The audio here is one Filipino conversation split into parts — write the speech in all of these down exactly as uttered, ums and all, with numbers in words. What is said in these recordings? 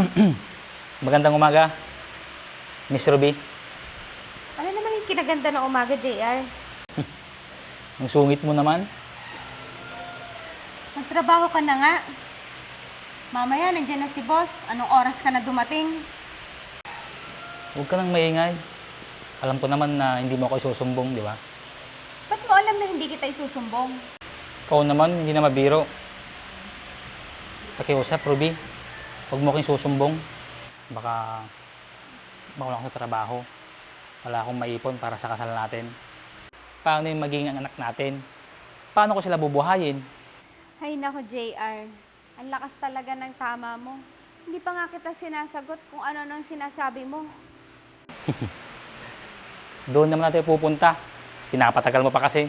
Magandang umaga, Miss Ruby. Ano naman yung kinaganda ng umaga, J R? Ang sungit mo naman. Magtrabaho ka na nga. Mamaya, nandiyan na si boss. Anong oras ka na dumating? Huwag ka nang maingay. Alam ko naman na hindi mo ako isusumbong, di ba? Ba't mo alam na hindi kita isusumbong? Ikaw naman, hindi na mabiro. Pakiusap, Ruby. Huwag mo akong susumbong. Baka mawala akong sa trabaho. Wala akong maipon para sa kasal natin. Paano yung magiging anak natin? Paano ko sila bubuhayin? Hay nako, J R. Ang lakas talaga ng tama mo. Hindi pa nga kita sinasagot kung ano nang sinasabi mo. Doon naman natin pupunta. Pinapatagal mo pa kasi.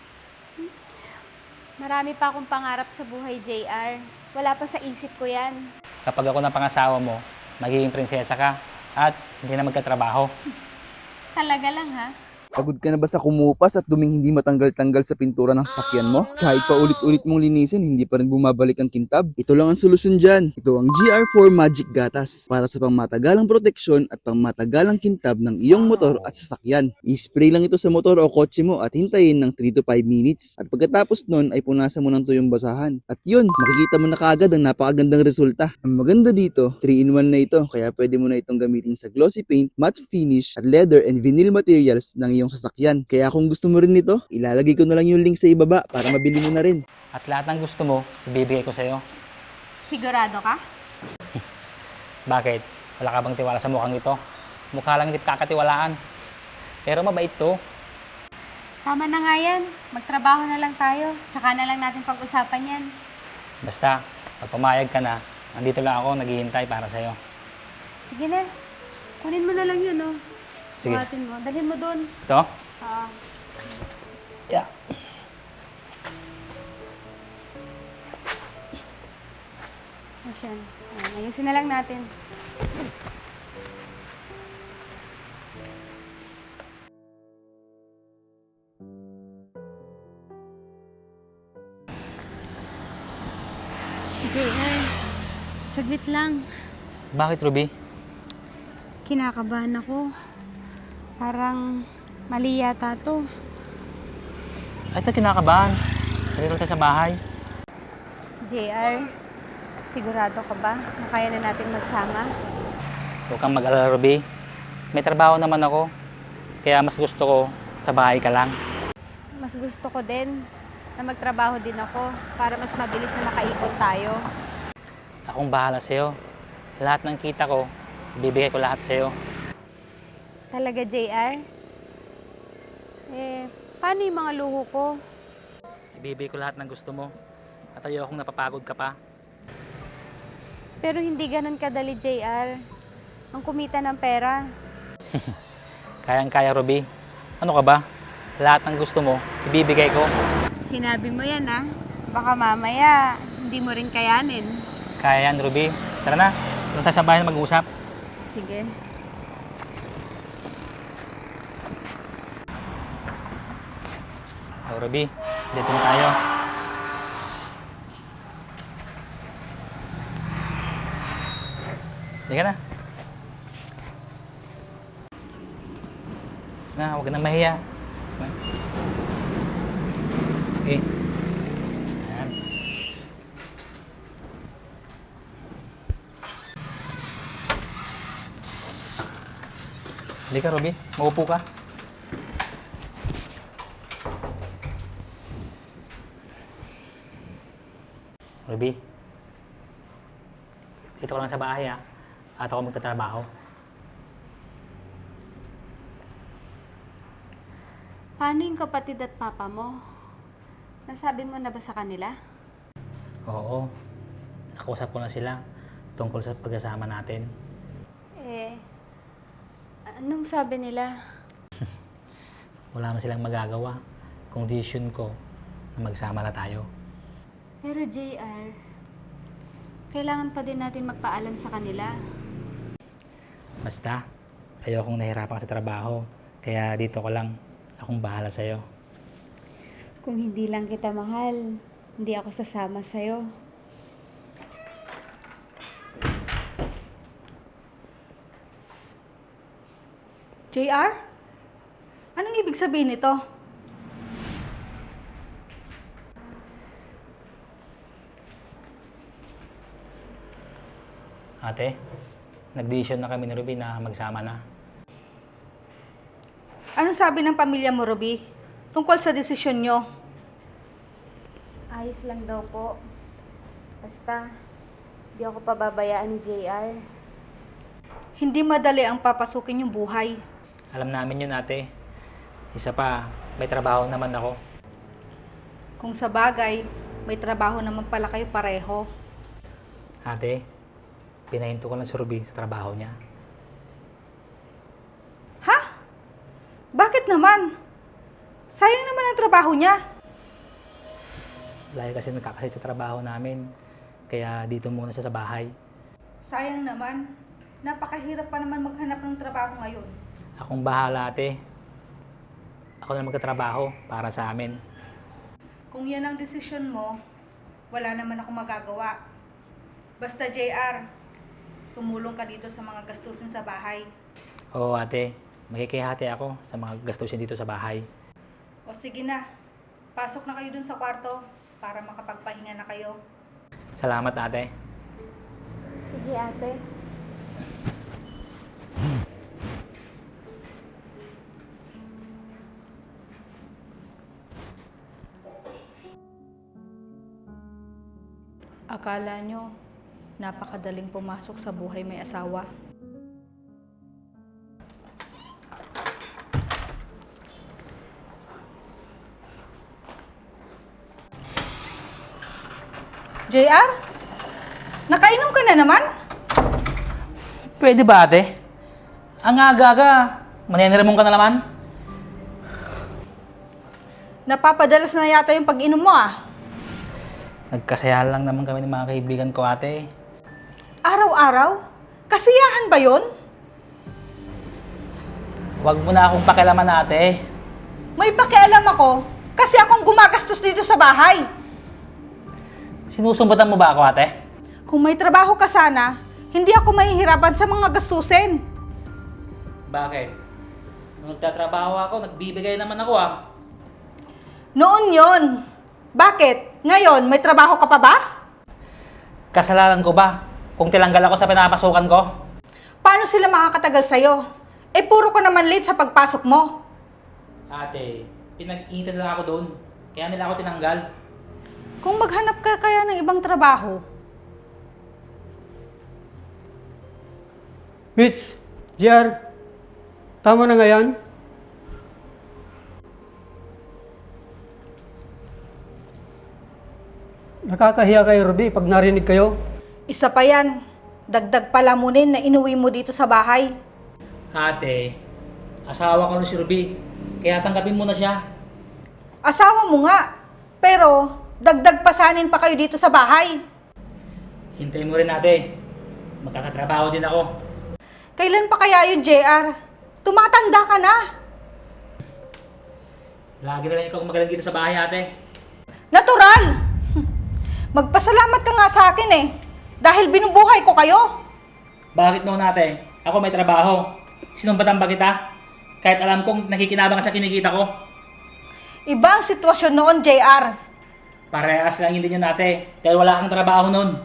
Marami pa akong pangarap sa buhay, J R. Wala pa sa isip ko yan. Kapag ako ng pangasawa mo, magiging prinsesa ka at hindi na magkatrabaho. Talaga lang, ha? Pagod ka na ba sa kumupas at duming hindi matanggal-tanggal sa pintura ng sasakyan mo? Kahit pa ulit-ulit mong linisin, hindi pa rin bumabalik ang kintab? Ito lang ang solusyon dyan. Ito ang G R four Magic Gatas para sa pangmatagalang proteksyon at pangmatagalang kintab ng iyong motor at sasakyan. I-spray lang ito sa motor o kotse mo at hintayin ng three to five minutes. At pagkatapos nun ay punasan mo ng tuyong basahan. At yun, makikita mo na kaagad ang napakagandang resulta. Ang maganda dito, three in one na ito kaya pwede mo na itong gamitin sa glossy paint, matte finish, at leather and vinyl materials ng iyong sasakyan. Kaya kung gusto mo rin nito, ilalagay ko na lang yung link sa ibaba para mabili mo na rin. At lahat ng gusto mo, ibibigay ko sa'yo. Sigurado ka? Bakit? Wala ka bang tiwala sa mukhang ito? Mukha lang hindi kakatiwalaan. Pero mabait to. Tama na nga yan. Magtrabaho na lang tayo. Tsaka na lang natin pag-usapan yan. Basta, pag pumayag ka na, nandito lang ako, naghihintay para sa'yo. Sige na. Kunin mo na lang yun, oh. Sige. Buhatin mo. Dalhin mo dun. Ito? Ah. Yeah. Asyan. Ayan, ayusin na lang natin. J R, saglit lang. Bakit, Ruby? Kinakabahan ako. Parang mali yata to. Ay, ito kinakabahan. Dito tayo sa bahay. J R, sigurado ka ba na kaya na natin magsama? Huwag kang mag-alala, Ruby. May trabaho naman ako. Kaya mas gusto ko sa bahay ka lang. Mas gusto ko din na magtrabaho din ako para mas mabilis na makaipon tayo. Akong bahala sa'yo. Lahat ng kita ko, bibigay ko lahat sa'yo. Talaga, J R? Eh, paano yung mga luho ko? Ibibigay ko lahat ng gusto mo. At ayokong napapagod ka pa. Pero hindi ganun kadali, J R. Ang kumita ng pera. Kayang-kaya, Ruby. Ano ka ba? Lahat ng gusto mo, ibibigay ko. Sinabi mo yan, ha? Baka mamaya, hindi mo rin kayanin. Kaya yan, Ruby. Tara na. Doon tayo sa bahay na mag-usap. Sige. Oh, Ruby. Dito na tayo. Hindi ka na. Na, huwag ka na mahiya. Okay. Ayan. Halika, Ruby. Maupo ka. Ruby. Dito ka lang sa bahay, ha? At ako magtatrabaho. Paano yung kapatid at papa mo? Nasabi mo na ba sa kanila? Oo. Nakausap ko na sila tungkol sa pagkasama natin. Eh, anong sabi nila? Wala man silang magagawa. Condition ko na magsama na tayo. Pero J R, kailangan pa din natin magpaalam sa kanila. Basta, ayokong nahirapan sa trabaho. Kaya dito ko lang. Akong bahala sa'yo. Kung hindi lang kita mahal, hindi ako sasama sa'yo. J R? Anong ibig sabihin nito? Ate, nag-decision na kami ni Ruby na magsama na. Anong sabi ng pamilya mo, Ruby? Tungkol sa desisyon nyo? Ayos lang daw po. Basta, di ako pababayaan ni J R. Hindi madali ang papasukin yung buhay. Alam namin yun, ate. Isa pa, may trabaho naman ako. Kung sa bagay, may trabaho naman pala kayo pareho. Ate, pinahinto ko lang si Ruby sa trabaho niya. Ha? Bakit naman? Sayang naman ang trabaho niya. Lagi kasi nagkakasit sa trabaho namin. Kaya dito muna siya sa bahay. Sayang naman. Napakahirap pa naman maghanap ng trabaho ngayon. Akong bahala, ate. Ako na magkatrabaho para sa amin. Kung yan ang desisyon mo, wala naman ako magagawa. Basta J R, tumulong ka dito sa mga gastusin sa bahay. Oo, ate. Makikihati ako sa mga gastusin dito sa bahay. O sige na, pasok na kayo dun sa kwarto para makapagpahinga na kayo. Salamat, ate. Sige ate. Akala nyo, napakadaling pumasok sa buhay may asawa. J R? Nakainom ka na naman? Pwede ba, ate? Ang aga-aga, maneniramong ka na naman? Napapadalas na yata yung pag-inom mo ah. Nagkasaya lang naman kami ng mga kaibigan ko, ate. Araw-araw? Kasiyahan ba yon? Huwag mo na akong pakialaman, ate. May pakialam ako kasi akong gumagastos dito sa bahay. Sinusumbutan mo ba ako, ate? Kung may trabaho ka sana, hindi ako mahihirapan sa mga gastusin. Bakit? Nung nagtatrabaho ako, nagbibigay naman ako, ah. Noon yon. Bakit? Ngayon, may trabaho ka pa ba? Kasalanan ko ba kung tilanggal ako sa pinapasukan ko? Paano sila makakatagal sa'yo? Eh, puro ka naman late sa pagpasok mo. Ate, pinag-iitan lang ako doon. Kaya nila ako tinanggal. Kung maghanap ka kaya ng ibang trabaho, Mitch, J R, tama na nga yan? Nakakahiya kayo, Ruby, pag narinig kayo. isa pa yan. Dagdag palamunin na inuwi mo dito sa bahay. Ate, asawa ko na si Ruby. Kaya tanggapin mo na siya. Asawa mo nga, pero dagdag pasanin pa kayo dito sa bahay. Hintayin mo rin, ate. Magkakatrabaho din ako. Kailan pa kaya yun, J R? Tumatanda ka na. Lagi na lang ikaw magaling dito sa bahay, ate. Natural! Magpasalamat ka nga sa akin eh. Dahil binubuhay ko kayo. Bakit noon, ate? Ako may trabaho. Sinumbatan ba kita? Kahit alam kong nakikinabang ka sa kinikita ko. Iba ang sitwasyon noon, J R. Parehas lang hindi yun, ate. Dahil wala kang trabaho noon.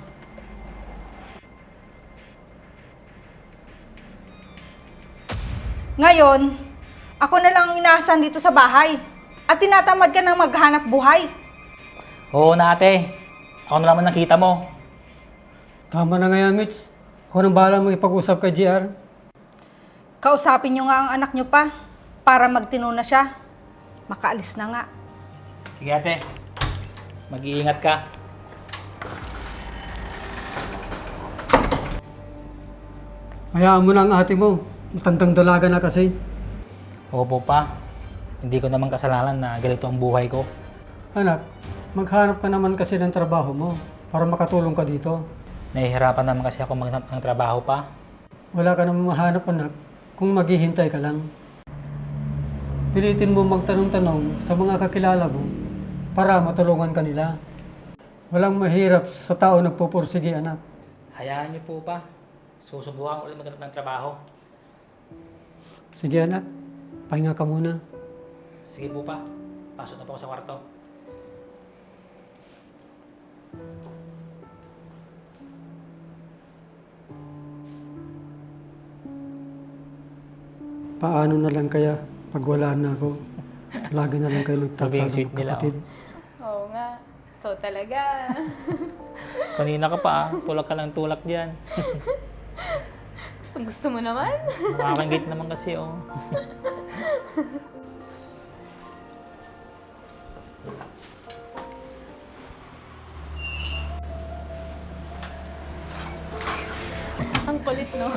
Ngayon, ako na lang ang inaasahan dito sa bahay. At tinatamad ka ng maghanap buhay. Oo na, ate. Ako na naman nakita mo. Tama na nga yan, Mitch. Ako nang bahala mo ipag-usap kay J R. Kausapin nyo nga ang anak nyo pa para magtino na siya. Makaalis na nga. Sige, ate. Mag-iingat ka. Hayaan mo na ang ate mo. Matandang dalaga na kasi. Opo pa. Hindi ko naman kasalanan na ganito ang buhay ko. Anak, maghanap ka naman kasi ng trabaho mo para makatulong ka dito. Nahihirapan naman kasi ako maghanap ng trabaho pa. Wala ka naman mahanap, anak, kung maghihintay ka lang. Pilitin mo magtanong-tanong sa mga kakilala mo para matulungan ka nila. Walang mahirap sa tao nagpupursige, anak. Hayaan niyo po pa. Susubukan ko ulit maghanap ng trabaho. Sige anak, pahinga ka muna. Sige po pa, pasok na po ako sa kwarto. Paano na lang kaya pag wala na ako? Lagi na lang kayo Sabi yung nagtatalo sweet nila, magkapatid. Oo nga. Ikaw talaga. Kanina ka pa, ah. tulak ka lang tulak dyan. Gusto, gusto mo naman? Nakakangit naman kasi, oh. Ang kulit, no?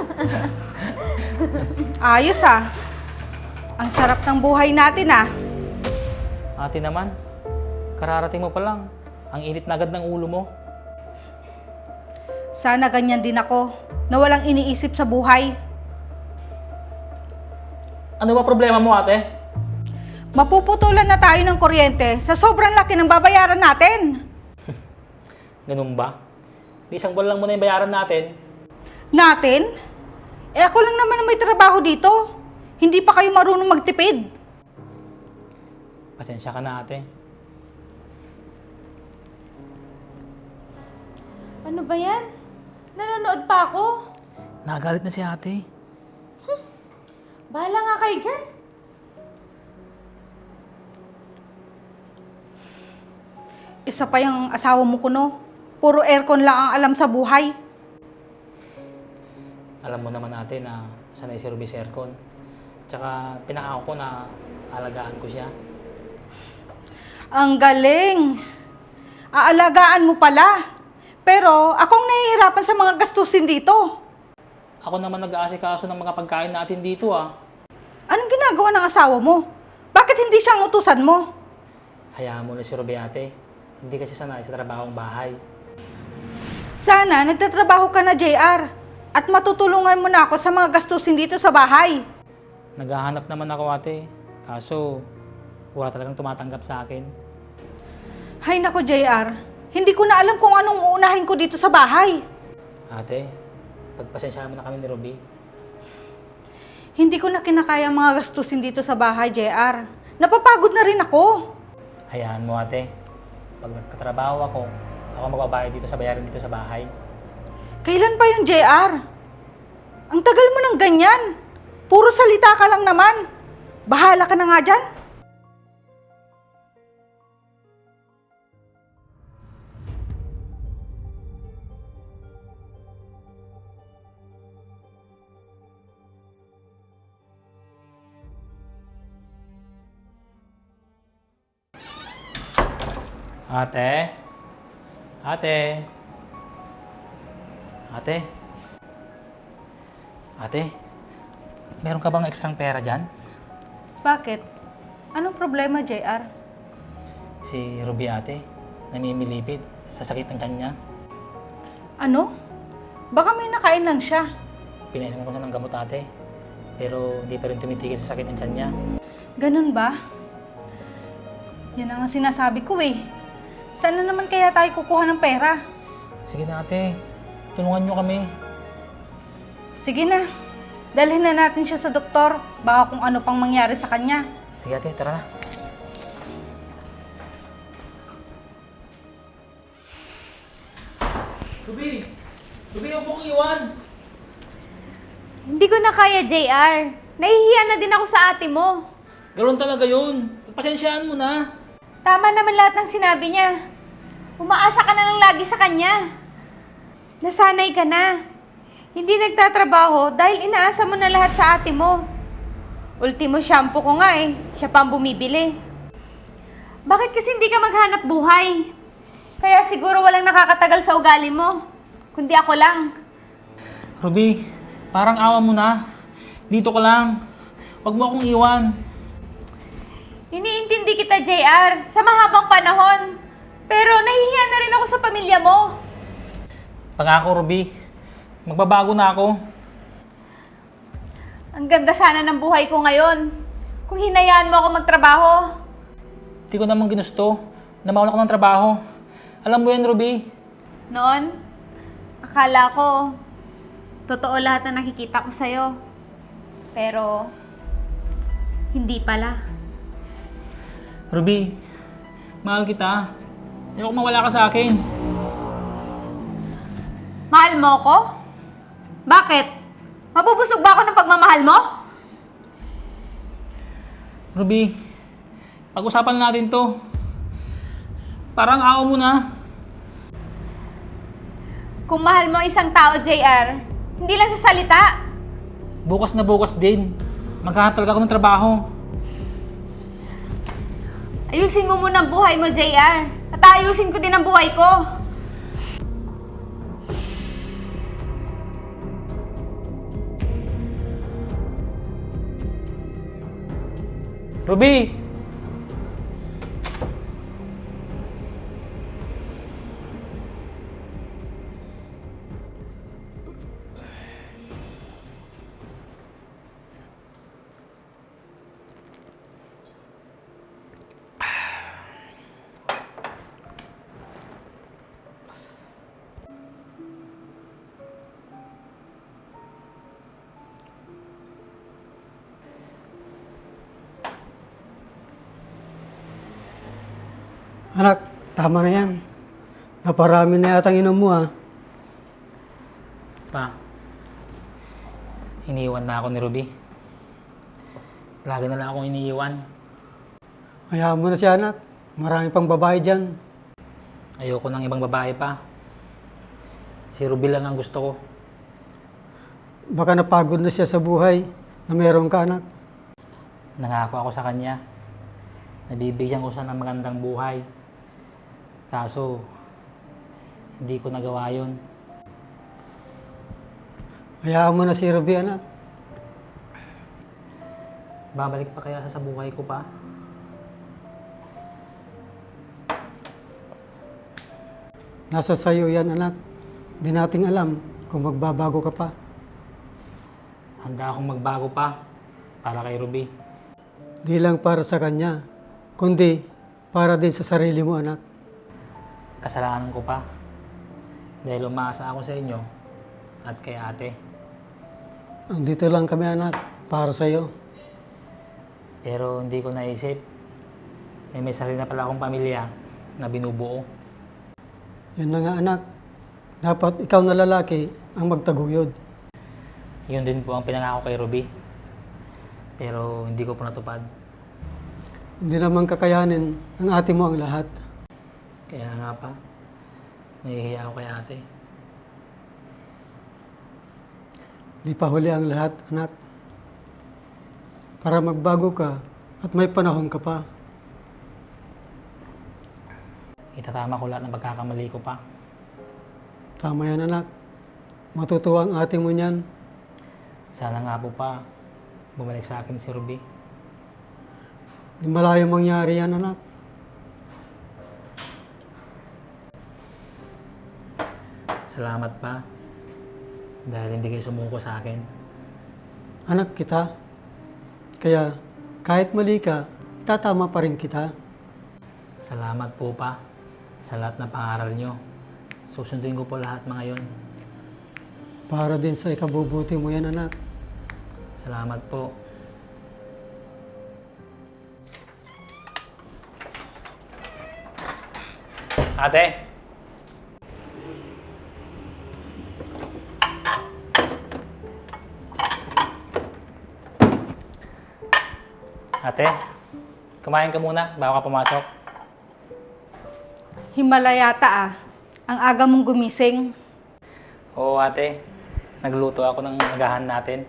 Ayos ah. Ang sarap ng buhay natin ah. Ate naman, kararating mo pa lang. Ang init na agad ng ulo mo. Sana ganyan din ako, na walang iniisip sa buhay. Ano ba problema mo, ate? Mapuputulan na tayo ng kuryente sa sobrang laki ng babayaran natin. Ganun ba? Di isang buwan lang muna yung bayaran natin. Natin? Eh ako lang naman ang may trabaho dito. Hindi pa kayo marunong magtipid. Pasensya ka na, ate. Ano ba yan? Nanonood pa ako. Nagalit na si ate. Bahala nga kayo dyan. Isa pa yung asawa mo kuno. Puro aircon lang ang alam sa buhay. Alam mo naman, ate, na sanay si Ruby sa aircon. Tsaka pinakako ko na alagaan ko siya. Ang galing. Aalagaan mo pala. Pero akong nahihirapan sa mga gastusin dito. Ako naman nag-aasikaso ng mga pagkain natin dito, ah. Anong ginagawa ng asawa mo? Bakit hindi siyang utusan mo? Hayaan mo na si Ruby, ate. Hindi kasi sanay sa trabahong bahay. Sana nagtatrabaho ka na, J R. At matutulungan mo na ako sa mga gastusin dito sa bahay. Naghahanap naman ako, ate. Kaso, wala talagang tumatanggap sa akin. Hay nako, J R. Hindi ko na alam kung anong uunahin ko dito sa bahay. Ate, pagpasensyahan mo na kami ni Ruby. Hindi ko na kinakaya ang mga gastusin dito sa bahay, J R. Napapagod na rin ako. Hayaan mo, ate. Pag nagkatrabaho ako, ako magbabayad dito sa bayarin dito sa bahay. Kailan pa yung J R? Ang tagal mo ng ganyan. Puro salita ka lang naman. Bahala ka na nga dyan. Ate? Ate? Ate? Ate? Meron ka bang ekstrang pera dyan? Bakit? Anong problema, J R? Si Ruby, ate, namimilipid sa sakit ng tiyan niya. Ano? Baka may nakain lang siya. Pinainom ko siya ng gamot, ate. Pero hindi pa rin tumitigil sa sakit ng tiyan niya. Ganun ba? Yan ang sinasabi ko eh. Saan na naman kaya tayo kukuha ng pera? Sige na, ate. Tulungan niyo kami. Sige na. Dalhin na natin siya sa doktor. Baka kung ano pang mangyari sa kanya. Sige, ate. Tara na. Ruby! Ruby, huwag mong iwan! Hindi ko na kaya, J R. Nahihiya na din ako sa ate mo. Ganoon talaga yun. Pasensyaan mo na. Tama naman lahat ng sinabi niya. Umaasa ka na lang lagi sa kanya. Nasanay ka na. Hindi nagtatrabaho dahil inaasa mo na lahat sa ate mo. Ultimo shampoo ko nga eh. Siya pa ang bumibili. Bakit kasi hindi ka maghanap buhay? Kaya siguro walang nakakatagal sa ugali mo. Kundi ako lang. Ruby, parang awa mo na. Dito ka lang. Huwag mo akong iwan. Iniintindi kita, J R, sa mahabang panahon. Pero nahihiya na rin ako sa pamilya mo. Pangako, Ruby. Magbabago na ako. Ang ganda sana ng buhay ko ngayon. Kung hinayaan mo ako magtrabaho. Hindi ko naman ginusto na mawala ko ng trabaho. Alam mo yan, Ruby. Noon, akala ko, totoo lahat na nakikita ko sa'yo. Pero, hindi pala. Ruby, mahal kita. Ayoko mawala ka sa akin. Mahal mo ko? Bakit? Mabubusog ba ako ng pagmamahal mo? Ruby, pag-usapan natin to. Parang awa mo na. Kung mahal mo isang tao, J R, hindi lang sa salita. Bukas na bukas din. Maghahanap talaga ako ng trabaho. Ayusin mo muna ang buhay mo, J R. At ayusin ko din ang buhay ko. Ruby! Anak, tama na yan. Naparami na yata ang inom mo ah. Pa, iniwan na ako ni Ruby. Lagi na lang akong iniiwan. Hayaan mo na si anak. Marami pang babae dyan. Ayoko ng ibang babae pa. Si Ruby lang ang gusto ko. Baka napagod na siya sa buhay na meron ka anak. Nangako ako sa kanya. Nabibigyan ko siya ng magandang buhay. Kaso, hindi ko nagawa yun. Hayaan mo na si Ruby anak. Babalik pa kaya siya sa buhay ko pa? Nasa sayo yan anak. Di nating alam kung magbabago ka pa. Handa akong magbago pa para kay Ruby. Di lang para sa kanya, kundi para din sa sarili mo anak. Kasalanan ko pa. Dahil umaasa ako sa inyo at kay ate. Andito lang kami anak, para sa'yo. Pero hindi ko naisip. Eh, may sarili na pala akong pamilya na binubuo. Yan na nga anak. Dapat ikaw na lalaki ang magtaguyod. Yun din po ang pinangako kay Ruby. Pero hindi ko po natupad. Hindi naman kakayanin ng ate mo ang lahat. Kaya nga pa, nahihiya ako kay ate. Di pa huli ang lahat, anak. Para magbago ka at may panahon ka pa. Itatama ko lahat ng pagkakamali ko pa. Tama yan, anak. Matutuwa ang ate mo niyan. Sana nga po pa, bumalik sa akin si Ruby. Di malayo mangyari yan, anak. Salamat pa. Dahil hindi kayo sumuko sa akin. Anak kita. Kaya kahit mali ka, itatama pa rin kita. Salamat po pa sa lahat ng pangaral nyo. Susundin ko po lahat mga yon. Para din sa ikabubuti mo yan, anak. Salamat po. Ate! Ate, kumain ka muna bago ka pumasok. Himala yata ah. Ang aga mong gumising. Oo ate, nagluto ako ng agahan natin.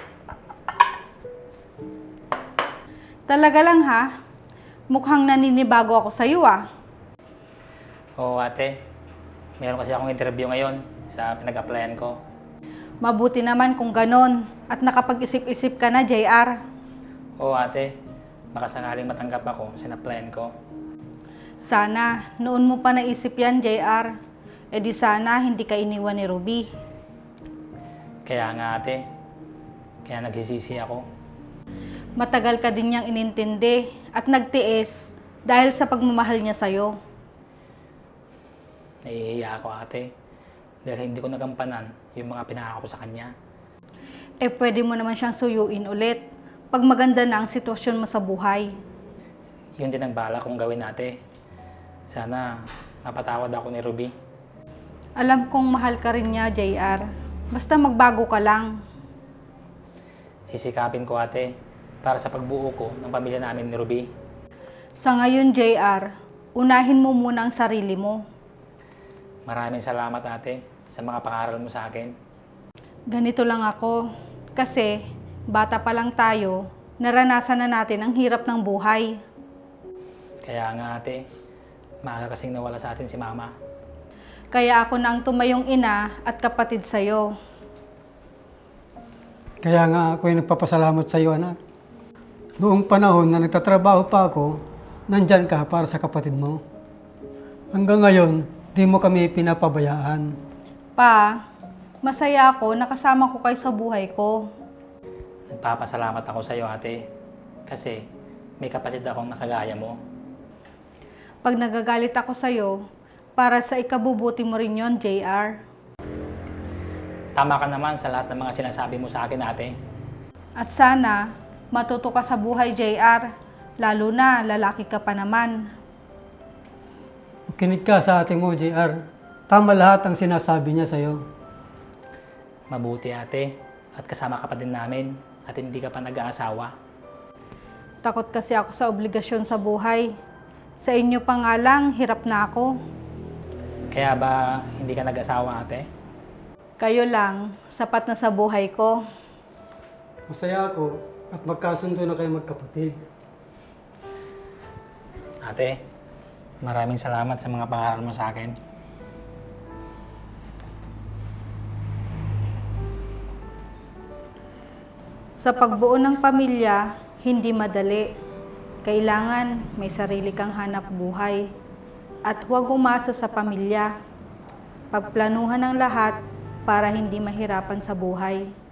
Talaga lang ha. Mukhang naninibago ako sa iyo ah. Oo ate, meron kasi akong interview ngayon sa pinag-applyan ko. Mabuti naman kung ganon at nakapag-isip-isip ka na, J R. Oo ate, baka sakaling matanggap ako sa in-applyan ko. Sana, noon mo pa naisip yan, J R. E di sana hindi ka iniwan ni Ruby. Kaya nga ate, kaya nagsisisi ako. Matagal ka din niyang inintindi at nagtiis dahil sa pagmamahal niya sa'yo. Nahihiya ako ate, dahil hindi ko nagampanan yung mga pinangako ko sa kanya. eh pwede mo naman siyang suyuin ulit pag maganda na ang sitwasyon mo sa buhay. Yun din ang bala kong gawin, ate. Sana mapatawad ako ni Ruby. Alam kong mahal ka rin niya, J R. Basta magbago ka lang. Sisikapin ko, ate, para sa pagbuo ko ng pamilya namin ni Ruby. Sa ngayon, J R, unahin mo muna ang sarili mo. Maraming salamat, ate, sa mga pangaral mo sa akin. Ganito lang ako. Kasi, bata pa lang tayo, naranasan na natin ang hirap ng buhay. Kaya nga, ate, maaga kasing nawala sa atin si Mama. Kaya ako na ang tumayong ina at kapatid sa'yo. Kaya nga ako ay nagpapasalamat sa iyo, anak. Noong panahon na nagtatrabaho pa ako, nandyan ka para sa kapatid mo. Hanggang ngayon, di mo kami pinapabayaan. Pa, masaya ako nakasama ko kayo sa buhay ko. Nagpapasalamat ako sa iyo, ate, kasi may kapatid akong nakagaya mo. Pag nagagalit ako sa'yo, para sa ikabubuti mo rin yon, J R. Tama ka naman sa lahat ng mga sinasabi mo sa akin, ate. At sana, matuto ka sa buhay, J R. Lalo na, lalaki ka pa naman. Kinig ka sa ate mo, J R. Tama lahat ang sinasabi niya sa iyo. Mabuti, ate, at kasama ka pa din namin at hindi ka pa nag-aasawa. Takot kasi ako sa obligasyon sa buhay. Sa inyo pa nga lang, hirap na ako. Kaya ba hindi ka nag-asawa, ate? Kayo lang, sapat na sa buhay ko. Masaya ako at magkasundo na kayo magkapatid. Ate, maraming salamat sa mga pangaral mo sa akin. Sa pagbuo ng pamilya, hindi madali. Kailangan may sarili kang hanap buhay. At huwag umasa sa pamilya. Pagplanuhan ang lahat para hindi mahirapan sa buhay.